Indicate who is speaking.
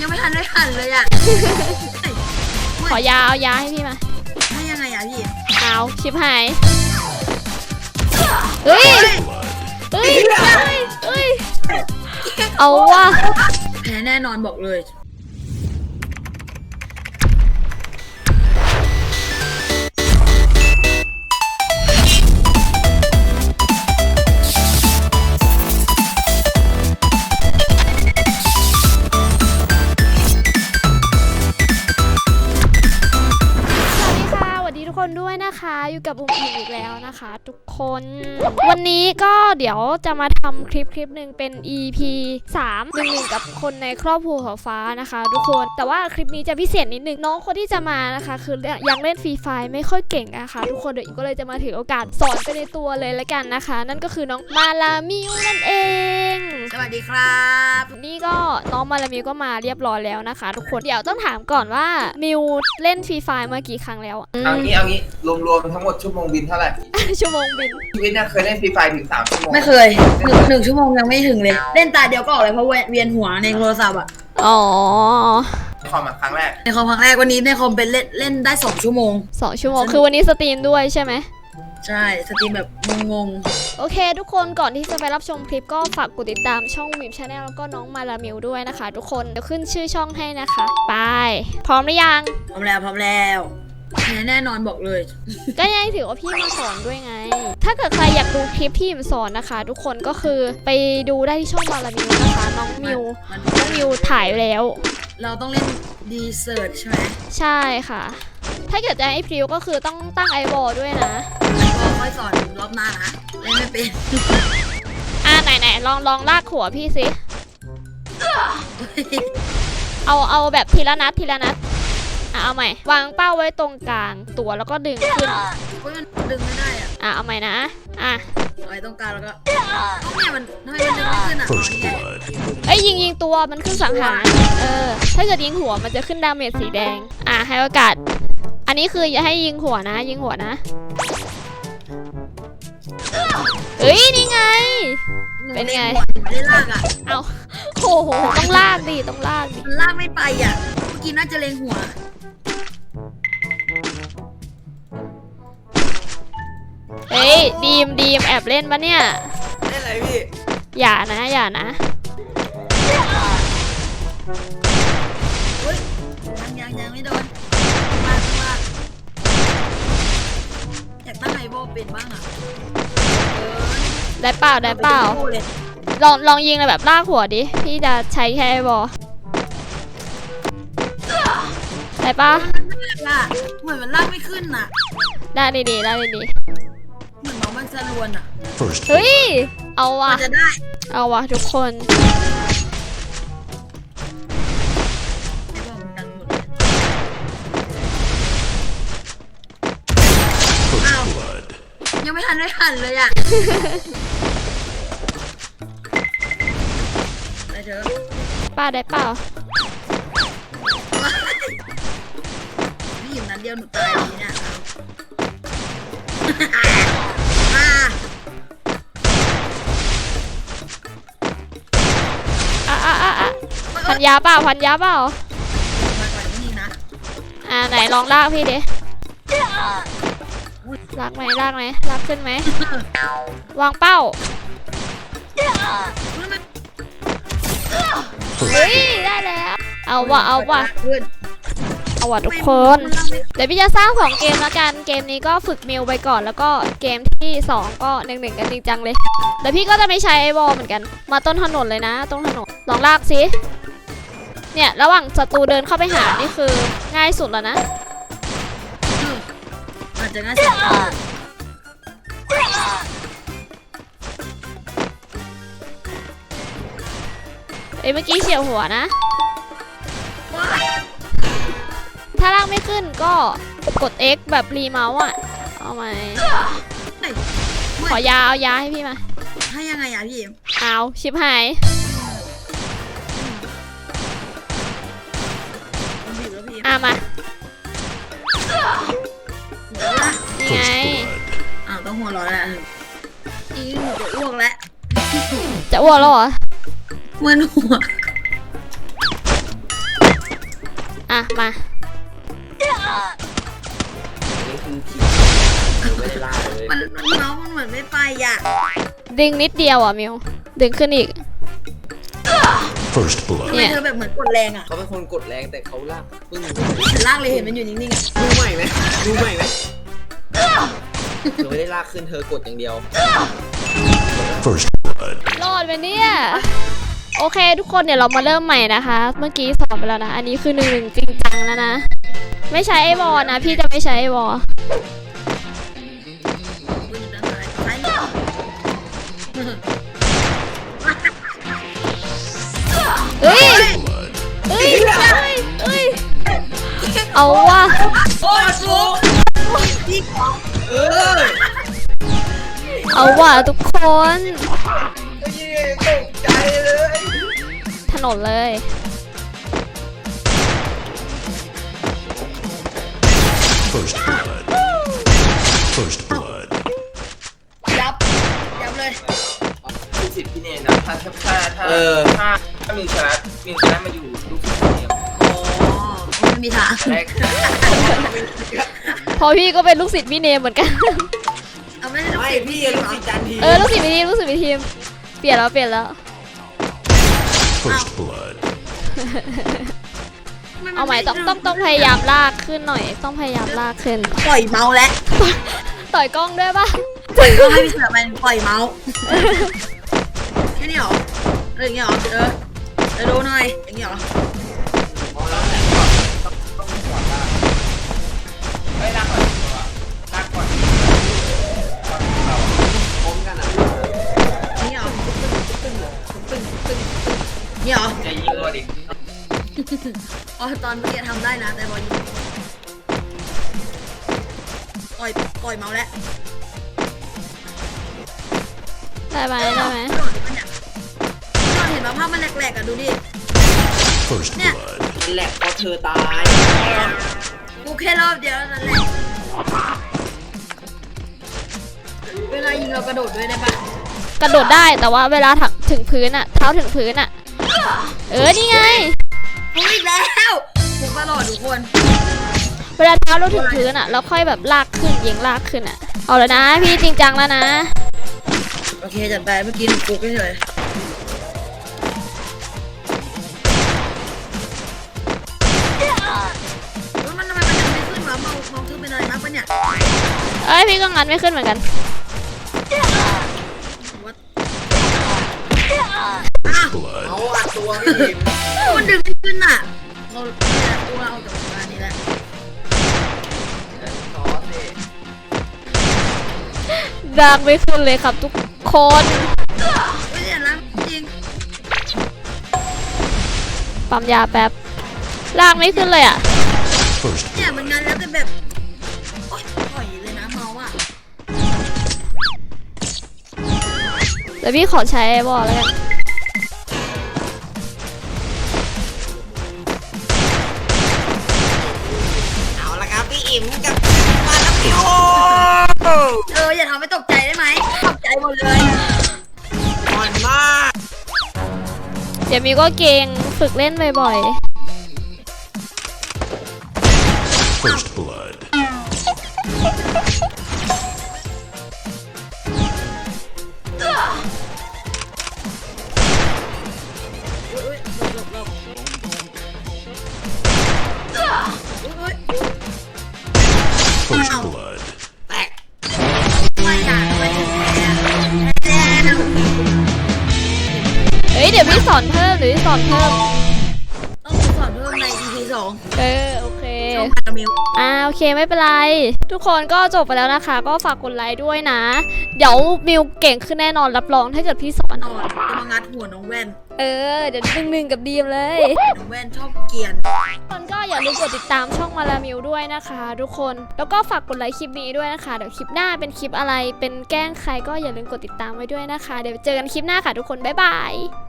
Speaker 1: ยังไม่ทันได้หันเลยอ่ะ
Speaker 2: ขอยาเอายาให้พี่มา
Speaker 1: ให้ยังไงอ่ะพี่
Speaker 2: เอาชิบหายเฮ้ยเฮ้ยเฮ้ยเอาว่ะ
Speaker 1: แพ้แน่นอนบอกเลย
Speaker 2: ทุกคนด้วยนะคะอยู่กับอุ้มอิมอีกแล้วนะคะทุกคนวันนี้ก็เดี๋ยวจะมาทำคลิปหนึ่งเป็น EP 3 กับคนในครอบครัวของฟ้านะคะทุกคนแต่ว่าคลิปนี้จะพิเศษนิดนึงน้องคนที่จะมานะคะคือยังเล่นฟรีไฟไม่ค่อยเก่งนะคะทุกคนเดี๋ยวก็เลยจะมาถือโอกาสสอนไปในตัวเลยละกันนะคะนั่นก็คือน้องมาลามิวนั่นเอง
Speaker 1: สวัสดีครับ
Speaker 2: นี่ก็น้องมาลามิวก็มาเรียบร้อยแล้วนะคะทุกคนเดี๋ยวต้องถามก่อนว่ามิวเล่นฟรีไฟมากี่ครั้งแล้ว
Speaker 3: เอางี้รวมทั้งหมดชั่วโมงบินเท่าไหร่
Speaker 2: ชั่วโมงบิน
Speaker 3: ชีวิตเนี่ยเคยเล่นฟรีไฟถึง3 ชั่วโมง
Speaker 1: ไม่เคยหนึ่งชั่วโมงยังไม่ถึงเลยเล่นตาเดียวก็ออกเลยเพราะเวียนหัวในโทรศัพท์อ่ะ
Speaker 2: อ๋อ
Speaker 3: ในคอมครั้งแรก
Speaker 1: วันนี้ในคอมเป็นเล่นได้2 ชั่วโมง
Speaker 2: 2 ชั่วโมงคือวันนี้สตรีมด้วยใช่ไหม
Speaker 1: ใช่สตรีมแบบงง
Speaker 2: โอเคทุกคนก่อนที่จะไปรับชมคลิปก็ฝากกดติดตามช่องวิมชาแนลแล้วก็น้องมาลามิวด้วยนะคะทุกคนเดี๋ยวขึ้นชื่อช่องให้นะคะไปพร้อมหรือยัง
Speaker 1: พร้อมแล้วแน่นอนบอกเลย
Speaker 2: ก็ยังถือว่าพี่มาสอนด้วยไงถ้าเกิดใครอยากดูคลิปที่ผมสอนนะคะทุกคนก็คือไปดูได้ที่ช่องมาลามิวนะคะน้องมิวถ่ายแล้ว
Speaker 1: เราต้องเล่นดีเซิร์ชใช่ไหม
Speaker 2: ใช่ค่ะถ้าเกิดจะให้พริวก็คือต้องตั้งไอวอลด้วยนะ
Speaker 1: ค่อยสอนรอบหน้านะเล่นไม่เป็น
Speaker 2: ไหนลองลากหัวพี่สิเอาแบบทีละนัดเอาใหม่วางเป้าไว้ตรงกลางตัวแล้วก็ดึงขึ้น
Speaker 1: มันดึงไม่ได้
Speaker 2: เอาใหม่นะ
Speaker 1: ไว้ตรงกลางแล้วก็เนี่ยมันทำไมมันดึงไม่ขึ้น
Speaker 2: ยิงตัวมันขึ้นสังหารถ้าเกิดยิงหัวมันจะขึ้นดาเมจสีแดงให้โอกาสอันนี้คืออย่าให้ยิงหัวนะนี่ไงเป็นไง
Speaker 1: ไม่ได้ลาก
Speaker 2: เอาโอ้โหต้องลากดิ
Speaker 1: มันลากไม่ไปเมื่อกี้น่าจะเล็งหัว
Speaker 2: ดีมแอบเล่นปะเนี่ย
Speaker 3: เล่นอะไรพี่
Speaker 2: อย่านะ
Speaker 1: ยังไม่โดนมาอยากตั้งไฮโบเป็นบ้าง
Speaker 2: ได้เปล่าลองยิงเลยแบบลากหัวดิพี่จะใช้แค่ไอบอได้ปะ
Speaker 1: เหมือนมันลากไม่ขึ้น
Speaker 2: ได้ดี
Speaker 1: เหมือนน้องมันจะลวน
Speaker 2: เฮ้ยเอาว่ะ
Speaker 1: จะได้
Speaker 2: เอาว่ะทุกคน
Speaker 1: ยังไม่ทันได้หันเลยได้เถอะ
Speaker 2: ป้าได้เปล่า
Speaker 1: พี่หยิบนั้นเดียวหนูตายเลยเนี่ย
Speaker 2: พันยาเปล่า
Speaker 1: มาก่อนนี่นะ
Speaker 2: ไหนลองลากพี่ดิลากไหมลากขึ้นไหมวางเป้าได้แล้วเอาว่ะทุกคนเดี๋ยวพี่จะสร้าง2 เกมแล้วกันเกมนี้ก็ฝึกมิวไปก่อนแล้วก็เกมที่2ก็1กันจริงจังเลยเดี๋ยวพี่ก็จะไม่ใช้ไอวอลเหมือนกันมาต้นถนนเลยนะต้นถนนลองลากสิเนี่ยระหว่างศัตรูเดินเข้าไปหานี่คือง่ายสุดแล้วนะ
Speaker 1: อาจจะง่ายสุด
Speaker 2: เมื่อกี้เฉียวหัวนะถ้าลากไม่ขึ้นก็กด X แบบรีเมาส์เอาไหมขอยาเอายาให้พี่มา
Speaker 1: ให้ยังไงพี่
Speaker 2: เอาชิบหายมานี่ไง
Speaker 1: ต้องหัวร้อนแล้วหนูจะอ้วกแล้ว
Speaker 2: จะอ้วกแล้วเหรอ
Speaker 1: เหมือนหัว
Speaker 2: อ่ะมา
Speaker 4: นี่คือผีไม่ได้ล่าเลย
Speaker 1: มันเมาส์มันเหมือนไม่ไปอ่ะ
Speaker 2: ดึงนิดเดียวอ่ะมิวดึงขึ้นอีก
Speaker 5: First blood.
Speaker 1: ทำไมเธอแบบเหมือนกดแรงอ่ะ
Speaker 4: เขาเป็นคนกดแรงแต่เขาลากปึ้ง
Speaker 1: เห็นล่างเลยเห็นมันอยู่นิ่งๆอ่ะ
Speaker 4: ดูใหม่ไหมดูใหม่ไหมเธอไม่ได้ลากขึ้นเธอกดอย่างเดียว
Speaker 5: First blood.
Speaker 2: รอดไปเนี่ยโอเคทุกคนเดี๋ยวเรามาเริ่มใหม่นะคะ เมื่อกี้สอนไปแล้วนะอันนี้คือ1-1จริงจังแล้วนะไม่ใช้ไอวอลนะพี่จะไม่ใช้ไอวอลเฮ้ยเฮ้ยเฮ้ยเอาว่ะ
Speaker 3: โอ้ยฟุก เออ
Speaker 2: เอาว่ะทุกคน
Speaker 3: ตกใจเลย
Speaker 2: ถนนเลย
Speaker 5: First blood. First blood.
Speaker 1: ยับเลย
Speaker 3: ลูกศิษย์พี่เนยนะถ้ามิวชนะมาอยู่ลูกศิษย์พี่เนย
Speaker 1: อ๋อไม่มีทาง
Speaker 3: แรก
Speaker 2: พอพี่ก็เป็นลูกศิษย์พี่เนมเหมือนกัน
Speaker 1: เอาไม่ได้ลูก
Speaker 4: ไม่
Speaker 1: ศิษย์
Speaker 4: พี่ลูกศิษย์จันที
Speaker 2: ลูกศิษย์พี่ทีมลูกศิษย์พี่ทีมเปลี่ยนแล้ว
Speaker 5: First blood.
Speaker 2: เอาใหม่ต้องพยายามลากขึ้นหน่อยต้องพยายามลากขึ้น
Speaker 1: ปล่อยเมาส์แล้ว
Speaker 2: ต่อยกล้องด้วยป่ะ
Speaker 1: ก็ให้พี่เสือมันปล่อยเมาส์แค่นี้เหรออะไรอย่างเงี้ยเหรอดูหน่อยอย่างเงี้ยเหรอ
Speaker 3: เฮ้ยลากก่อนลากก่อน
Speaker 4: พร้อมกันอ่ะ
Speaker 1: อย่างเงี้ยเหรอเนี่ยเหรอ
Speaker 3: จะยิงตัวดิ
Speaker 1: อ๋อตอนเมื่อกี้ทำได้นะแต่บอลยิงปล่อยเมาส์แล้ว
Speaker 2: ได้ไหม
Speaker 1: โดดเนี่ยเราเห็นว่าภาพมันแหลกๆอ่ะดูดิ
Speaker 5: First
Speaker 1: Yeah.
Speaker 5: blood.
Speaker 4: มันแหลกเพราะเธอตาย
Speaker 1: กูแค่รอบเดียวนั่นแหละเวลายิงเรากระโดดด้วยได้ปะ
Speaker 2: กระโดดได้แต่ว่าเวลาถึงพื้นอะเท้าถึงพื้นอะนี่ไง
Speaker 1: กูอีกแล้วกูตลอดทุกคน
Speaker 2: เวลาเท้าเราถึงพื้นอะแล้วค่อยแบบลากขึ้นยิงลากขึ้นอะเอาแล้วนะพี่จริงจังแล้วนะ
Speaker 1: โอเคจัดไปเมื่อกี้กูก็เฉยมันทำไมมันยังไม่ขึ้นวะเมาขึ้นเป็นอะไรมากปะเนี่ย
Speaker 2: พี่ก็งันไม่ขึ้นเหมือนกัน
Speaker 5: Blood.
Speaker 4: เอาอัดตัวพี่ทีม
Speaker 1: มันดึงไม่ขึ้นอ่ะเราตัวเราจากงานนี้แหละ
Speaker 4: ขอสิ
Speaker 2: ลากไม่ขึ้นเลยครับทุกคน
Speaker 1: ไม่เห็นแล้วจริง
Speaker 2: ปั๊มยาแป๊บลากไม่ขึ้นเลยอะ
Speaker 5: First
Speaker 1: เนี่ยมันงานแล้วแต่แบบโอ๊ยปล่อยเลยนะเมาอ่ะ
Speaker 2: เดี๋ยวพี่ขอใช้ไอ้บอลแล้วกัน
Speaker 4: เอาละครับพี่อิ่มกับมาแล้วพี่โอ
Speaker 1: อย่าทำให้ตกใจได้ไหมตกใจหมดเลย
Speaker 4: อ่อนมาก
Speaker 2: เดี๋ยวมีก็เก่งฝึกเล่นบ่อย
Speaker 5: First blood.
Speaker 1: อุ๊ยหลบอุ๊ย
Speaker 5: First blood.
Speaker 4: แตก
Speaker 1: ไม่อยากไม่ถึงแล้ว
Speaker 2: ๆเดี๋ยวพี่สอนเพิ่มหรือสอนเพิ่ม
Speaker 1: ต้องสอนเพิ่มใน EP 2
Speaker 2: โอเค
Speaker 1: ช่องพารามิว
Speaker 2: โอเคไม่เป็นไร ทุกคนก็จบไปแล้วนะคะ ก็ฝากกดไลค์ด้วยนะ เดี๋ยวมิวเก่งขึ้นแน่นอนรับรองถ้าเกิดพี่สอน
Speaker 1: จะมางัดหัวน้องแว่น
Speaker 2: เดี๋ยวหนึ่งกับดีมเลย
Speaker 1: น้องแว่นชอบเกรียน
Speaker 2: ทุกคนก็อย่าลืมกดติดตามช่องมาลามิวด้วยนะคะ ทุกคนแล้วก็ฝากกดไลค์คลิปนี้ด้วยนะคะเดี๋ยวคลิปหน้าเป็นคลิปอะไรเป็นแกล้งใครก็อย่าลืมกดติดตามไว้ด้วยนะคะ เดี๋ยวเจอกันคลิปหน้าค่ะทุกคนบ๊ายบาย